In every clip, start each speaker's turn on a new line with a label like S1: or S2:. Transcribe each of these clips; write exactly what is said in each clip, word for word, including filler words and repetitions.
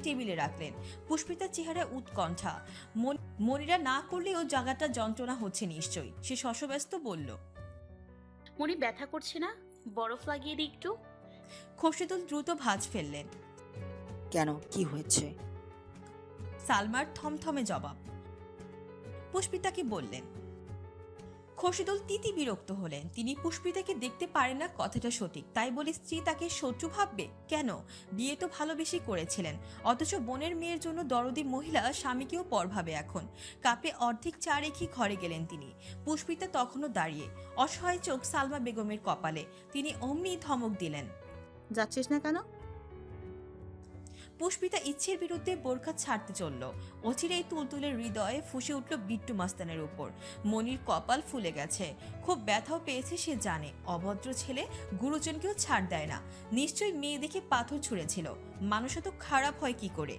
S1: টেবিলে রাখলেন। পুষ্পিতার চেহারায় উৎকণ্ঠা। মনিরা না করলেও জায়গাটা যন্ত্রণা হচ্ছে নিশ্চয়ই। সে শশব্যস্ত বলল,
S2: মনি ব্যথা করছে না? বরফ লাগিয়ে দিই একটু।
S1: খোরশেদুল দ্রুত ভাঁজ ফেললেন।
S3: কেন, কি হয়েছে?
S1: সালমার থমথমে জবাব। পুষ্পিতাকে বললেন। খোরশেদুল তিতি বিরক্ত হলেন। তিনি পুষ্পিতাকে দেখতে পারেন না, কথাটা সঠিক। তাই বলে স্ত্রী তাকে শত্রু ভাববে কেন? বিয়ে তো ভালোবেসে করেছিলেন। অথচ বোনের মেয়ের জন্য দরদি মহিলা স্বামীকেও পর ভাবে এখন। কাপে অর্ধেক চা রেখে ঘরে গেলেন তিনি। পুষ্পিতা তখনও দাঁড়িয়ে, অসহায় চোখ সালমা বেগমের কপালে। তিনি অমনি ধমক দিলেন,
S4: যাচ্ছিস না কেন?
S1: পুষ্পিতা ইচ্ছের বিরুদ্ধে বোরখা ছাড়তে চলল। অচিরেই তুলতুলের হৃদয়ে ফুসে উঠল বিট্টু মাস্তানের উপর। মনির কপাল ফুলে গেছে, খুব ব্যথাও পেয়েছে সে জানে। অভদ্র ছেলে গুরুজনকেও ছাড় দেয় না। নিশ্চয়ই মেয়ে দেখে পাথর ছুঁড়েছিল। মানুষ তো খারাপ হয় কি করে?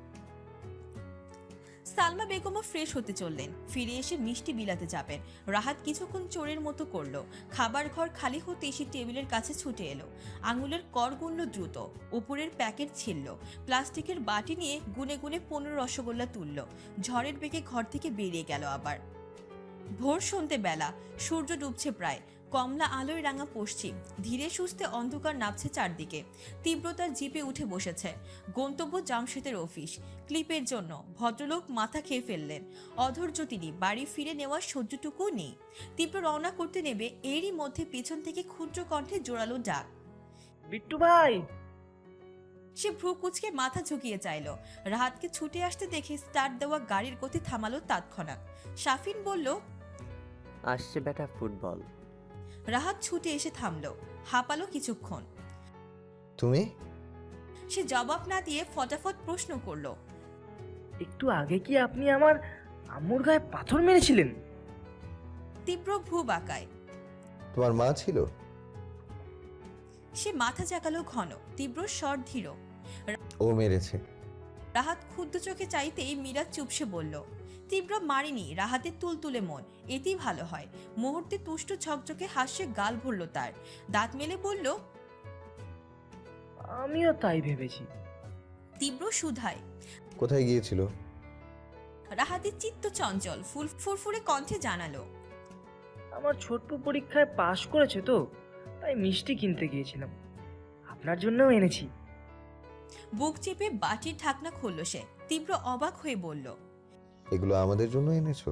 S1: সালমা বেগমও ফ্রেশ হতে চললেন। ফিরে এসে মিষ্টি বিলাতে যাবেন। রাহাত কিছুক্ষণ চোরের মতো করলো। খাবার ঘর খালি হতে সে টেবিলের কাছে ছুটে এলো। আঙুলের কর গুনল দ্রুত। উপরের প্যাকেট ছিলল। প্লাস্টিকের বাটি নিয়ে গুনে গুনে পনেরো রসগোল্লা তুলল। ঝড়ের বেগে ঘর থেকে বেরিয়ে গেল আবার। ভোর সন্ধ্যে বেলা, সূর্য ডুবছে প্রায়। কমলা আলোয় রাঙা পশ্চিম। ধীরে সুস্থে অন্ধকার নামছে চারদিকে। তীব্রতার জিপে উঠে বসেছে। গন্তব্য জামশেদের অফিস। ক্লিপের জন্য ভদ্রলোক মাথা খেয়ে ফেললেন। অধৈর্য তিনি, বাড়ি ফিরে নেওয়ার সহ্যটুকুও নেই। তীব্র রওনা করতে নেবে, এরই মধ্যে পেছন থেকে ক্ষুদ্র কণ্ঠে জোরালো ডাক,
S5: বিট্টু ভাই।
S1: সে ভ্রু কুচকে মাথা ঝুঁকিয়ে চাইল। রাহাতকে ছুটে আসতে দেখে স্টার্ট দেওয়া গাড়ির গতি থামালো তৎক্ষণাৎ। শাফিন বলল,
S6: আসছে বেটা ফুটবল।
S1: রাহাত ছুটে এসে থামলো, হাঁপালো কিছুক্ষণ।
S7: তুমি?
S1: সে জবাব না দিয়ে ফটাফট প্রশ্ন করলো,
S5: একটু আগে কি আপনি আমার আম্মুর গায়ে পাথর মেরেছিলেন?
S1: তীব্র ভ্রু বাঁকায়।
S7: তোমার মা ছিল?
S1: সে মাথা জাগালো ঘন। তীব্র স্বর ধীর।
S7: ও মেরেছে।
S1: রাহাত ক্ষুদ্র চোখে চাইতেই মীরা চুপসে বলল, তীব্র মারিনি, রাহাতের তুলতুলে মন, এতেই ভালো হয়। মুহূর্তে তুষ্ট ঝকঝকে হাসে গাল ভরল তার। দাঁত মেলে বলল,
S5: আমিও তাই ভেবেছি।
S1: তীব্র সুধায়।
S7: কোথায় গিয়েছিল?
S1: রাহাতের চিত্ত চঞ্চল ফুল ফুরফুরে কণ্ঠে জানালো,
S5: আমার ছোট্ট পরীক্ষায় পাশ করেছে তো, তাই মিষ্টি কিনতে গিয়েছিলাম। আপনার জন্যও এনেছি।
S1: বুক চেপে বাটির ঢাকনা খুলল সে। তীব্র অবাক হয়ে বলল,
S7: এগুলো আমাদের জন্য এনেছো?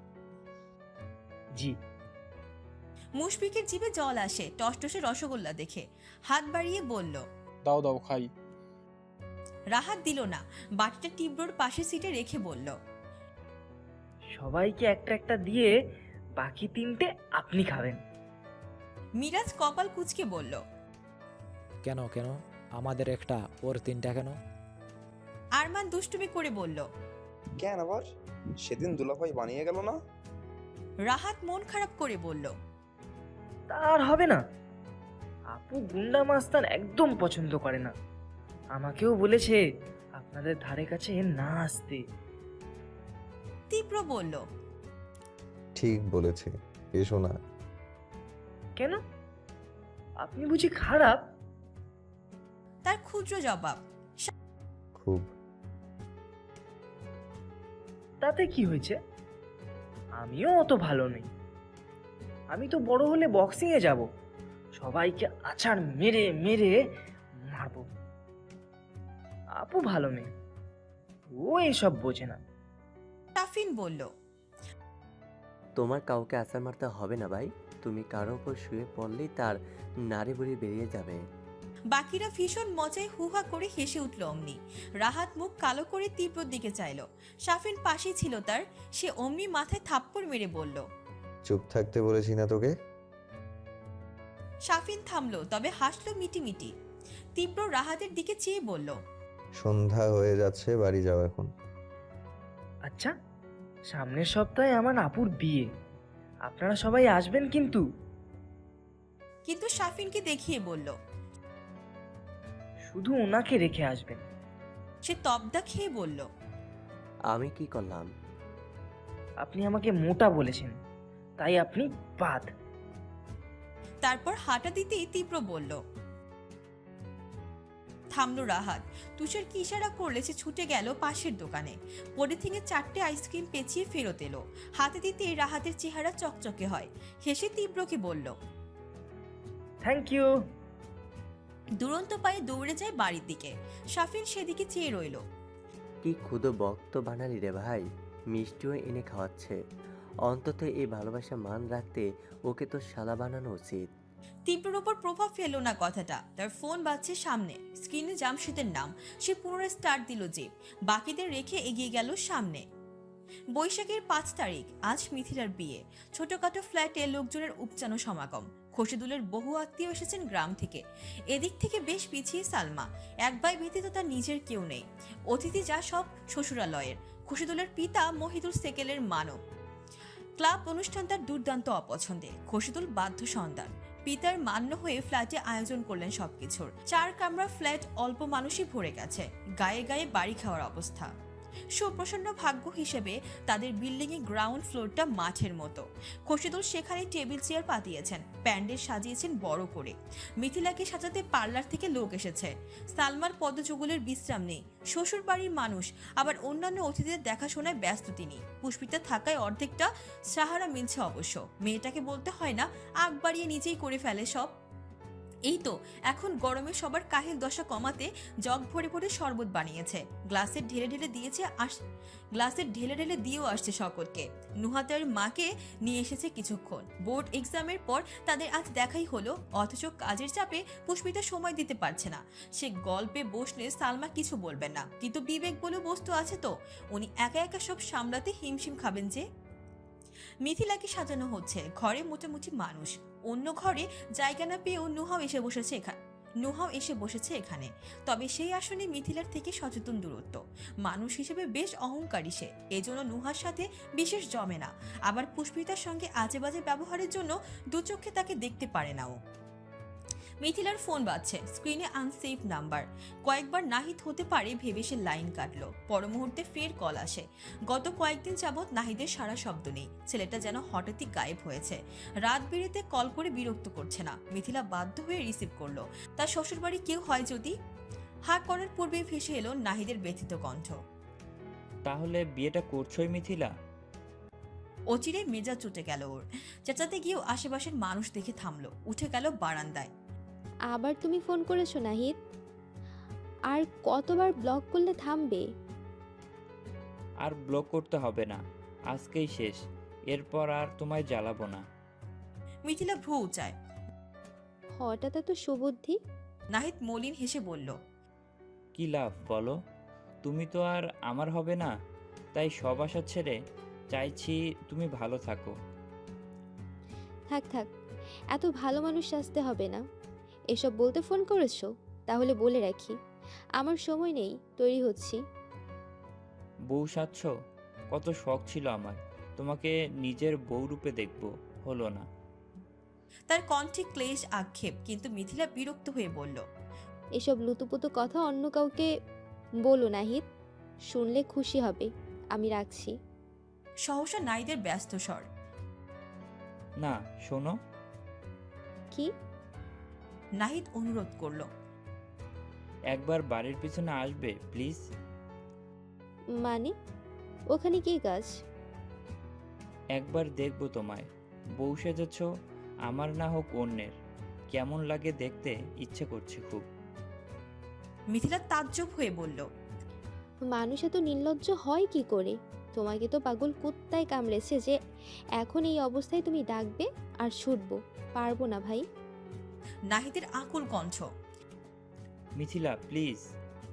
S5: জি।
S1: মুশফিকের জিভে জল আসে টসটসে রসগোল্লা দেখে। হাত বাড়িয়ে বলল,
S8: দাও দাও খাই।
S1: রাহাত দিল না। বাটিটা তীব্রর পাশে সিটে রেখে বলল,
S5: সবাইকে একটা একটা দিয়ে বাকি তিনটে আপনি খাবেন।
S1: মিরাজ কপাল কুঁচকে বলল,
S9: কেন কেন আমাদের একটা, ওর তিনটা কেন?
S1: আরমান দুষ্টুমি করে বলল,
S10: কেন আবার? সেদিন দুলাভাই বানিয়ে গেল না?
S1: রাহাত মন খারাপ করে বলল,
S5: তার হবে না। আপু গুন্ডা মাস্তান একদম পছন্দ করে না। আমাকেও বলেছে আপনাদের ধারে কাছে না আসতে।
S1: তীব্র বলল,
S7: ঠিক বলেছে, এসো না।
S5: কেন? আপনি বুঝি খারাপ?
S1: তার ক্ষুদ্র জবাব।
S7: খুব।
S5: তাতে কি হয়েছে? আমিও অত ভালো নেই। আমি তো বড় হলে বক্সিং এ যাব, সবাইকে আছাড় মেরে মেরে মারবো। আপু ভালো মেয়ে, ও এসব বোঝে না।
S1: তাফিন বলল,
S6: তোমার কাউকে আছাড় মারতে হবে না ভাই। তুমি কারো উপর শুয়ে পড়লেই তার নাড়ি বুড়ি বেরিয়ে যাবে।
S1: বাকিরা ভীষণ মজায় হুহা করে হেসে উঠল অমনি। রাহাত মুখ কালো করে তীব্রর দিকে চাইল। শাফিন পাশেই ছিল তার। সে অমনি মাথায় থাপ্পড় মেরে বলল,
S7: চুপ থাকতে বলেছি না তোকে?
S1: শাফিন থামলো, তবে হাসলো মিটিমিটি। তীব্র রাহাতের দিকে চেয়ে বলল,
S7: সন্ধ্যা হয়ে যাচ্ছে, বাড়ি যাও এখন।
S5: আচ্ছা, সামনের সপ্তাহে আমার আপুর বিয়ে, আপনারা সবাই আসবেন কিন্তু।
S1: কিন্তু শাফিনকে দেখিয়ে বলল,
S5: শুধু ওনাকে রেখে আসবেন।
S1: সে তবদা খেয়ে বলল,
S6: আমি কি করলাম?
S5: আপনি আমাকে মোটা বলেছেন, তাই আপনি বাদ।
S1: তারপর হাঁটা দিতেই তীব্র বলল, থামলো রাহাত। তুষার কি ইশারা করলে সে ছুটে গেল পাশের দোকানে। পলিথিনে চারটে আইসক্রিম পেঁচিয়ে ফেরত এলো। হাতে দিতেই রাহাতের চেহারা চকচকে হয়। হেসে তীব্রকে বলল,
S5: থ্যাংক ইউ।
S1: দুরন্ত পায়ে দৌড়ে যায় বাড়ির দিকে। সাফিন সেদিকে চেয়ে রইল।
S6: কি ক্ষুদো বক্ত বানালি রে ভাই, মিষ্টিও এনে খাওয়াচ্ছে। অন্তত এই ভালোবাসা মান রাখতে ওকে তো শালা বানানো উচিত।
S1: তীব্রর ওপর প্রভাব ফেললো না কথাটা। তার ফোন বাজছে সামনে, স্ক্রিনে জামশেদের নাম। সে পুনরায় স্টার্ট দিল জিপ, বাকিদের রেখে এগিয়ে গেল সামনে। বৈশাখের পাঁচ তারিখ, আজ মিথিলার বিয়ে। ছোটখাটো ফ্ল্যাটে লোকজনের উপচানো সমাগম। খসিদুলের বহু আত্মীয় এসেছেন গ্রাম থেকে। এদিক থেকে বেশ পিছিয়ে সালমা। এক ভাই ব্যতীত তার নিজের কেউ নেই। অতিথি যা সব শ্বশুরালয়ের। খসিদুলের পিতা মহিদুল সেকেলের মানব। ক্লাব অনুষ্ঠান তার দুর্দান্ত অপছন্দে। খসিদুল বাধ্য সন্তান। পিতার মান্য হয়ে ফ্ল্যাটে আয়োজন করলেন সবকিছুর। চার কামরা ফ্ল্যাট, অল্প মানুষই ভরে গেছে। গায়ে গায়ে বাড়ি খাওয়ার অবস্থা। সুপ্রসন্ন ভাগ্য হিসেবে তাদের বিল্ডিং এ গ্রাউন্ড ফ্লোরটা মাঠের মতো। খসিদুল সেখানে টেবিল চেয়ার পাতিয়েছেন, প্যান্ডেল সাজিয়েছেন বড় করে। মিথিলাকে সাজাতে পার্লার থেকে লোক এসেছে। সালমার পদযুগলের বিশ্রাম নেই। শ্বশুর বাড়ির মানুষ, আবার অন্যান্য অতিথিদের দেখাশোনায় ব্যস্ত তিনি। পুষ্পিতা থাকায় অর্ধেকটা সাহারা মিলছে অবশ্য। মেয়েটাকে বলতে হয় না, আগ বাড়িয়ে নিজেই করে ফেলে সব। এই তো এখন গরমে সবার কাহিল দশা কমাতে জগ ভরে ভরে শরবত বানিয়েছে। গ্লাসে ঢেলে ঢেলে দিয়েছে আস গ্লাসে ঢেলে ঢেলে দিয়েও আসছে সকলকে। নুহাতের মাকে নিয়ে এসেছে কিছুক্ষণ। বোর্ড এক্সামের পর তাদের আজ দেখাই হলো, অথচ কাজের চাপে পুষ্পিতা সময় দিতে পারছে না। সে গল্পে বসলে সালমা কিছু বলবেন না, কিন্তু বিবেক বলে বস্তু আছে তো। উনি একা একা সব সামলাতে হিমশিম খাবেন যে। মিথিলাকে সাজানো হচ্ছে। ঘরে মোটামুটি মানুষ। অন্য ঘরে জায়গা না পেয়েও নুহাও এসে বসেছে এখানে নুহাও এসে বসেছে এখানে। তবে সেই আসনে মিথিলার থেকে সচেতন দূরত্ব। মানুষ হিসেবে বেশ অহংকারী সে, এজন্য নুহার সাথে বিশেষ জমে না। আবার পুষ্পিতার সঙ্গে আজে বাজে ব্যবহারের জন্য দু চোখে তাকে দেখতে পারে না ও। মিথিলার ফোন বাজছে, স্ক্রিনে আনসেভ নাম্বার। কয়েকবার নাহিদ হতে পারে ভেবে সে লাইন কাটলো। পর মুহূর্তে ফের কল আসে। গত কয়েকদিন যাবৎ নাহিদের সারা শব্দ নেই। ছেলেটা যেন হঠাৎই গায়েব হয়েছে। রাত বেড়েতে কল করে বিরক্ত করছে না। মিথিলা বাধ্য হয়ে রিসিভ করলো। তার শ্বশুরবাড়ি কেউ হয় যদি। হাঁ করার পূর্বেই ভেসে এলো নাহিদের ব্যথিত কণ্ঠ।
S4: তাহলে বিয়েটা করছোই মিথিলা?
S1: অচিরে মেজাজ চটে গেল ওর। চেঁচাতে গিয়েও আশেপাশের মানুষ দেখে থামলো। উঠে গেল বারান্দায়।
S8: আবার তুমি ফোন করেছো নাহিদ? আর কতবার ব্লক করলে থামবে?
S4: আর ব্লক করতে হবে না, আজকেই শেষ। এরপর আর তোমায় জ্বালাবো না।
S1: মিথিলা ভ্রু উঁচায়।
S8: হঠাৎ এত সুবুদ্ধি?
S1: নাহিদ মলিন হেসে বলল,
S4: কি লাভ বলো? তুমি তো আর আমার হবে না, তাই সব আশা ছেড়ে চাইছি তুমি ভালো থাকো।
S8: থাক থাক, এত ভালো মানুষ আসতে হবে না। এসব বলতে ফোন করেছো? তাহলে বলে রাখি, আমার সময় নেই, তৈরি হচ্ছি।
S4: বউ সাজছ? কত শখ ছিল আমার তোমাকে নিজের বউ রূপে দেখব, হলো না।
S1: তার কণ্ঠে ক্লেশ আক্ষেপ, কিন্তু মিথিলা বিরক্ত হয়ে বলল,
S8: এসব লুতুপুতু কথা অন্য কাউকে বলো নাহিদ, শুনলে খুশি হবে। আমি রাখছি।
S1: সহসা নাহিদের ব্যস্ত স্বর।
S4: না শোনো।
S8: কি?
S1: নাহিদ অনুরোধ করল,
S4: একবার বাড়ির পিছনে আসবে প্লিজ।
S8: মানে ওখানে কি কাজ?
S4: একবার দেখবো তোমায়, বউ সেজেছ, আমার না হোক অন্যের। কেমন লাগে দেখতে ইচ্ছে করছে খুব।
S1: মিথিলা তাজ্জব হয়ে বলল,
S8: মানুষ এত নির্লজ্জ হয় কি করে? তোমাকে তো পাগল কুত্তায় কামড়েছে যে এখন এই অবস্থায় তুমি ডাকবে আর ছুটবো? পারবো না ভাই।
S1: নাহিদের আকুল কণ্ঠ।
S4: মিথিলা প্লিজ।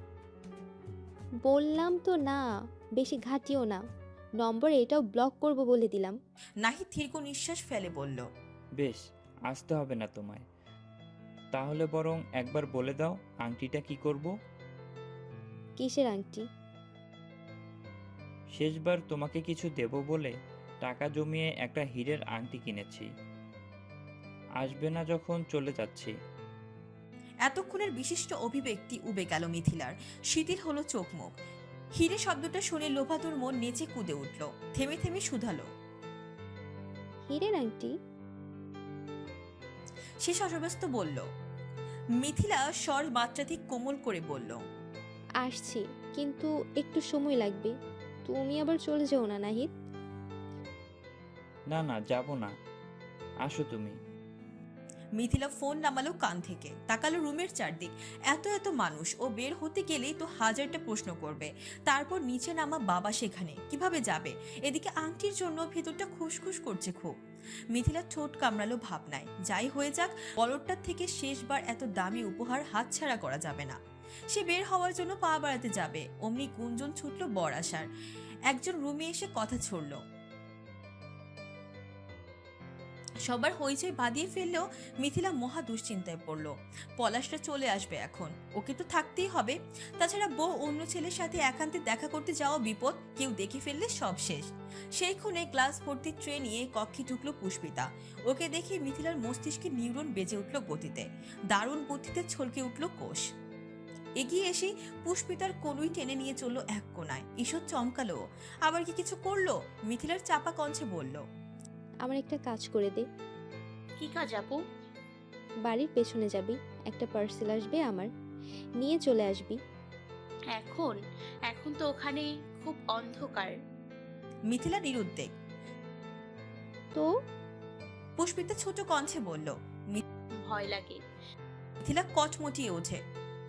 S8: বললাম তো না, বেশি ঘাটিও না। নম্বর এটাও ব্লক করব বলে দিলাম।
S1: নাহিদ দীর্ঘ নিঃশ্বাস ফেলে বলল,
S4: বেশ, আসতে হবে না তোমায়। তাহলে বরং একবার বলে দাও আংটিটা কি করব?
S8: কিসের আংটি?
S4: শেষবার তোমাকে কিছু দেব বলে টাকা জমিয়ে একটা হীরের আংটি কিনেছি। আসবে না যখন চলে যাচ্ছি।
S1: এতক্ষণের বিশিষ্ট অভিব্যক্তি উবে গেল মিথিলার। শিথিল হলো চোখ মুখ। হিরে শব্দটা শুনে লোভাতুর মন নেচে কুদে উঠল। থেমে থেমে শুধালো,
S8: হীরের আংটি?
S1: সে সশব্যস্ত বলল, মিথিলা স্বর মাত্রাধিক কোমল করে বলল,
S8: আসছি, কিন্তু একটু সময় লাগবে। তুমি আবার চলে যাও না নাহিদ।
S4: না না, যাব না, আসো তুমি।
S1: মিথিলা ফোন নামালো কান থেকে, তাকালো রুমের চারদিক। এত এত মানুষ, ও বের হতে গেলেই তো হাজারটা প্রশ্ন করবে। তারপর নিচে নামা বাবা সেখানে কিভাবে যাবে? এদিকে আংটির জন্য ভেতরটা খুশখুশ করছে খুব। মিথিলা ঠোঁট কামড়ালো ভাবনায়, যাই হয়ে যাক, বলরটার থেকে শেষবার এত দামি উপহার হাতছাড়া করা যাবে না। সে বের হওয়ার জন্য পা বাড়াতে যাবে, অমনি গুঞ্জন ছুটল বর আসার। একজন রুমে এসে কথা ছড়ল। সবার হইচই বাঁধিয়ে ফেললেও মিথিলা মহা দুশ্চিন্তায় পড়ল। পলাশটা চলে আসবে এখন, ওকে তো থাকতেই হবে। তাছাড়া বউ অন্য ছেলের সাথে একান্তে দেখা করতে যাওয়া বিপদ, কেউ দেখে ফেললে সব শেষ। সেই ক্ষণে গ্লাস ভর্তি ট্রে নিয়ে কক্ষে ঢুকলো পুষ্পিতা। ওকে দেখে মিথিলার মস্তিষ্কে নিউরন বেজে উঠল গতিতে, দারুণ বুদ্ধিতে ছলকে উঠল কোষ। এগিয়ে এসে পুষ্পিতার কনুই টেনে নিয়ে চললো এক কোনায়। ঈশ্বর চমকালো, আবার কি কিছু করলো? মিথিলার চাপা কণ্ঠে বলল,
S8: আমার একটা কাজ করে দে।
S2: কি কাজ আপু?
S8: বাড়ির পেছনে যাবি, একটা পার্সেল আসবে আমার, নিয়ে চলে আসবি।
S2: এখন? এখন তো ওখানে খুব অন্ধকার।
S1: মিথিলা নিরুদ্বেগ।
S8: তো
S1: পুষ্পিতা ছোট কণ্ঠে বলল।
S2: ভয় লাগে।
S1: মিথিলা কটমটিয়ে ওঠে।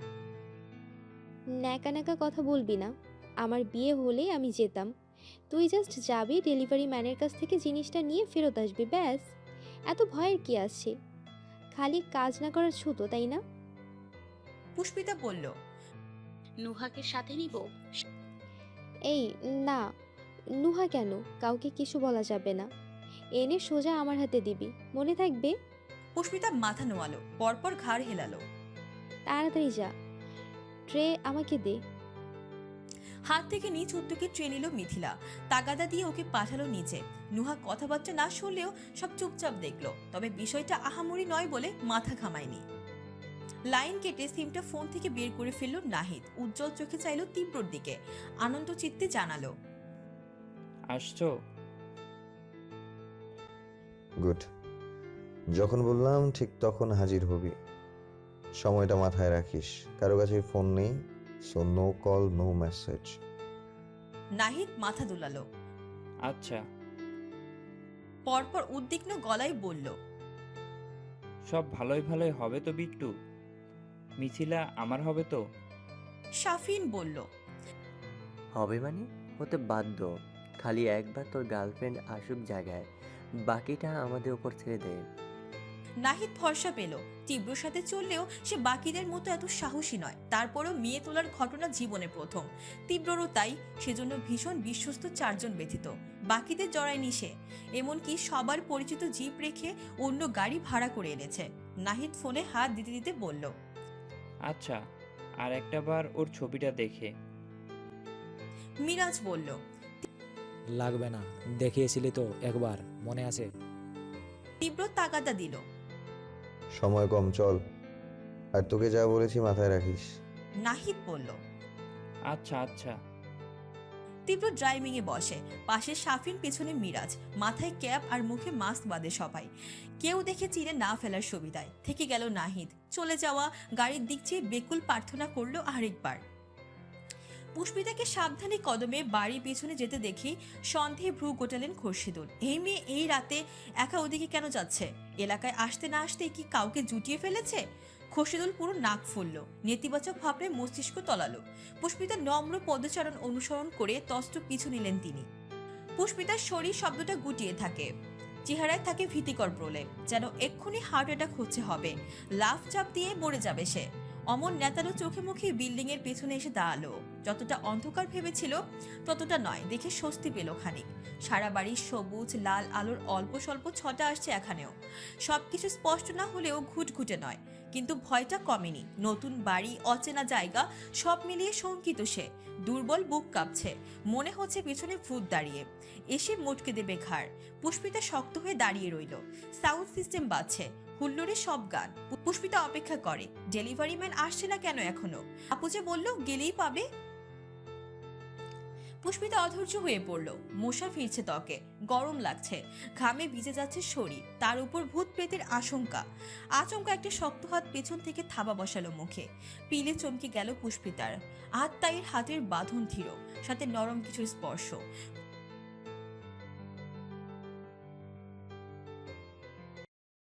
S8: ন্যাকা ন্যাকা কথা বলবি না, আমার বিয়ে হলে আমি যেতাম, তুই জাস্ট যাবি, ডেলিভারি ম্যানের কাছ থেকে জিনিসটা নিয়ে ফেরত আসবি, ব্যাস। এত ভয়ের কি আছে? খালি কাজ না করার ছুতো, তাই না?
S1: পুষ্পিতা বলল,
S2: নুহাকে সাথে নিব?
S8: এই না, নুহা কেন? কাউকে কিছু বলা যাবে না, এনে সোজা আমার হাতে দিবি, মনে থাকবে।
S1: পুষ্পিতা মাথা নোয়ালো, পরপর ঘাড় হেলালো।
S8: তাড়াতাড়ি যা, ট্রে আমাকে দে।
S1: হাত থেকে নিচ উদ্যোগে ট্রে নিল মিথিলা, তাগাদা দিয়ে ওকে পাঠালো নিচে। নুহা কথাবার্তা না শুনলেও সব চুপচাপ দেখলো, তবে বিষয়টা আহামরি নয় বলে মাথা ঘামায়নি। লাইন কেটে সিমটা ফোন থেকে বের করে ফেললো নাহিদ। উজ্জ্বল চোখে চাইলো তীব্রর দিকে, আনন্দ চিত্তে জানালো,
S4: আসছো?
S7: গুড। যখন বললাম ঠিক তখন হাজির হবি। সময়টা মাথায় রাখিস, কারো কাছে ফোন নেই, so no call, no message.
S1: Nahid মাথা দুলালো,
S4: আচ্ছা।
S1: পরপর উদ্বিগ্ন গলায় বলল,
S4: সব ভালোই ভালোই হবে তো বিট্টু? মিথিলা আমার হবে তো?
S1: শাফিন বলল,
S6: হবে মানে? হতে বাধ্য। খালি একবার তোর গার্লফ্রেন্ড আসুক জায়গায়, বাকিটা আমাদের উপর ছেড়ে দে।
S1: নাহিদ ভরসা পেল। তীব্রর সাথে চললেও সে বাকিদের মতো এত সাহসী নয়। তারপরও মেয়ে তোলার ঘটনা জীবনে প্রথম। তীব্ররও তাই, সেজন্য ভীষণ বিশ্বস্ত চারজন ব্যতীত বাকিদের জড়ায়নি সে। এমনকি সবার পরিচিত জিপ রেখে অন্য গাড়ি ভাড়া করে এনেছে। নাহিদ ফোনে হাত দিতে দিতে বলল,
S4: আচ্ছা, আর একটা বার ওর ছবিটা দেখে।
S1: মিরাজ বলল,
S9: লাগবে না, দেখিয়েছিলি তো একবার, মনে আছে?
S1: তীব্র তাগাদা দিল।
S7: সময় কম, চল। আর তোকে যা বলেছি মাথায় রাখিস।
S1: নাহিদ বলল,
S4: আচ্ছা আচ্ছা।
S1: তীব্র ড্রাইভিং এ বসে, পাশে শাফিন, পেছনে মিরাজ। মাথায় ক্যাপ আর মুখে মাস্ক বাঁধে সবাই, কেউ দেখে চিনে না ফেলার সুবিধায়। থেকে গেল নাহিদ। চলে যাওয়া গাড়ির দিক চেয়ে বেকুল প্রার্থনা করলো আরেকবার। পুষ্পিতাকে সাবধানে কদমে বাড়ির পিছনে যেতে দেখি সন্দেহে ভ্রু গোটালেন খোরশিদুল। এই মেয়ে এই রাতে একা ওদিকে কেন যাচ্ছে? এলাকায় আসতে না আসতে কি কাউকে জুটিয়ে ফেলেছে? খোরশিদুল পুরো নাক ফুলল, নেতিবাচক ভাবনায় মস্তিষ্ক তলালো। পুষ্পিতার নম্র পদচারণ অনুসরণ করে তস্ত পিছু নিলেন তিনি। পুষ্পিতার শরীর শব্দটা গুটিয়ে থাকে, চেহারায় থাকে ভীতিকর প্রলেপ, যেন এক্ষুনি হার্ট অ্যাটাক হচ্ছে হবে, লাফ চাপ দিয়ে মরে যাবে সে। অমন নেতারও চোখে মুখে বিল্ডিং এর পেছনে এসে দাঁড়ালো। যতটা অন্ধকার ভেবেছিল ততটা নয়, দেখে স্বস্তি পেল খানিক। সারা বাড়ির সবুজ লাল আলোর অল্প স্বল্প ছটা আসছে এখানেও। সবকিছু স্পষ্ট না হলেও ঘুটঘুটে নয়, কিন্তু ভয়টা কমেনি। নতুন বাড়ি, অচেনা জায়গা, সব মিলিয়ে শঙ্কিত সে। দুর্বল বুক কাঁপছে, মনে হচ্ছে পেছনে ভূত দাঁড়িয়ে এসে মুটকে দেবে ঘাড়। পুষ্পিতা শক্ত হয়ে দাঁড়িয়ে রইল। সাউন্ড সিস্টেম বাজছে, হুল্লোড়ে সব গান। পুষ্পিতা অপেক্ষা করে, ডেলিভারি ম্যান আসছে না কেন এখনো? আপু যে বলল গেলেই পাবে। পুষ্পিতা অধৈর্য হয়ে পড়ল। মশা ফিরছে ত্বকে, গরম লাগছে, ঘামে ভিজে যাচ্ছে শরীর, তার উপর ভূত প্রেতের আশঙ্কা। আচমকা একটা শক্ত হাত পেছন থেকে থাবা বসালো মুখে। পিলে চমকে গেল পুষ্পিতার। আত্মায়ের হাতের বাঁধন ধীর, সাথে নরম কিছুর স্পর্শ।